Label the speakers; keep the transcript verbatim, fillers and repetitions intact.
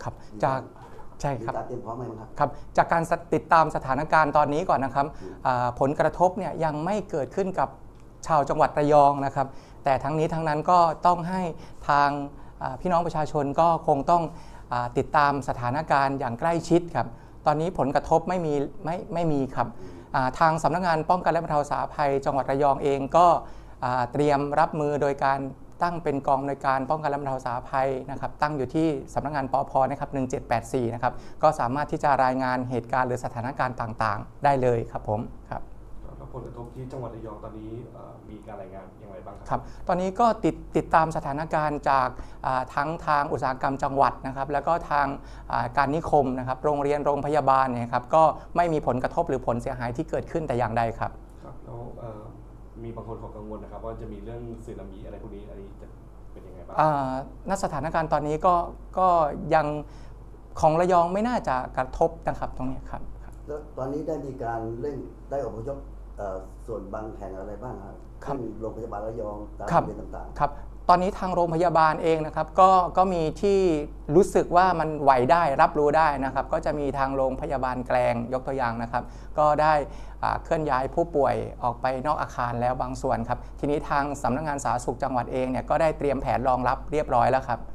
Speaker 1: ครับจากใช่ครับ
Speaker 2: การเตรียมพร้อมไหมครับ
Speaker 1: ครับจากการติดตามสถานการณ์ตอนนี้ก่อนนะครับผลกระทบเนี่ยยังไม่เกิดขึ้นกับชาวจังหวัดระยองนะครับแต่ทั้งนี้ทั้งนั้นก็ต้องให้ทางพี่น้องประชาชนก็คงต้องติดตามสถานการณ์อย่างใกล้ชิดครับตอนนี้ผลกระทบไม่มีไม่ไม่มีครับทางสำนักงานป้องกันและบรรเทาสาธารณภัยจังหวัดระยองเองก็เตรียมรับมือโดยการตั้งเป็นกองในวยการป้องกันและบรรเทาสาธารณภัยนะครับตั้งอยู่ที่สำนักงานปอพนะครับหนึ่งเจ็ดแปดสี่นะครับก็สามารถที่จะรายงานเหตุการณ์หรือสถานการณ์ต่างๆได้เลยครับผมครับ
Speaker 3: แล้วผลกระทบที่จังหวัดระยองตอนนี้มีการรายงานอย่างไรบ้างครับ
Speaker 1: ครับตอนนี้ก็ติดติดตามสถานการณ์จากทั้งทางอุตสาหกรรมจังหวัดนะครับแล้วก็ทางการนิคมนะครับโรงเรียนโรงพยาบาลเนี่ยครับก็ไม่มีผลกระทบหรือผลเสียหายที่เกิดขึ้นแต่อย่างใดครับ
Speaker 3: ครับแล้วมีบางคนเขากังวลนะครับว่าจะมีเรื่องสึนามิอะไรพวกนี้อันนี้จะเป็นยังไงบ้าง
Speaker 1: ณสถานการณ์ตอนนี้ก็ก็ยังของระยองไม่น่าจะกระทบนะครับตรงนี้ครับ
Speaker 2: แล้วตอนนี้ได้มีการเร่งได้อพยพส่วนบางแห่งอะไรบ้างครับโรงพยาบาลระยองตามโรงเรียนต่าง
Speaker 1: ๆครับตอนนี้ทางโรงพยาบาลเองนะครับก็ก็มีที่รู้สึกว่ามันไหวได้รับรู้ได้นะครับก็จะมีทางโรงพยาบาลแกลงยกตัวอย่างนะครับก็ได้เคลื่อนย้ายผู้ป่วยออกไปนอกอาคารแล้วบางส่วนครับทีนี้ทางสำนักงานสาธารณสุขจังหวัดเองเนี่ยก็ได้เตรียมแผนรองรับเรียบร้อยแล้วครับ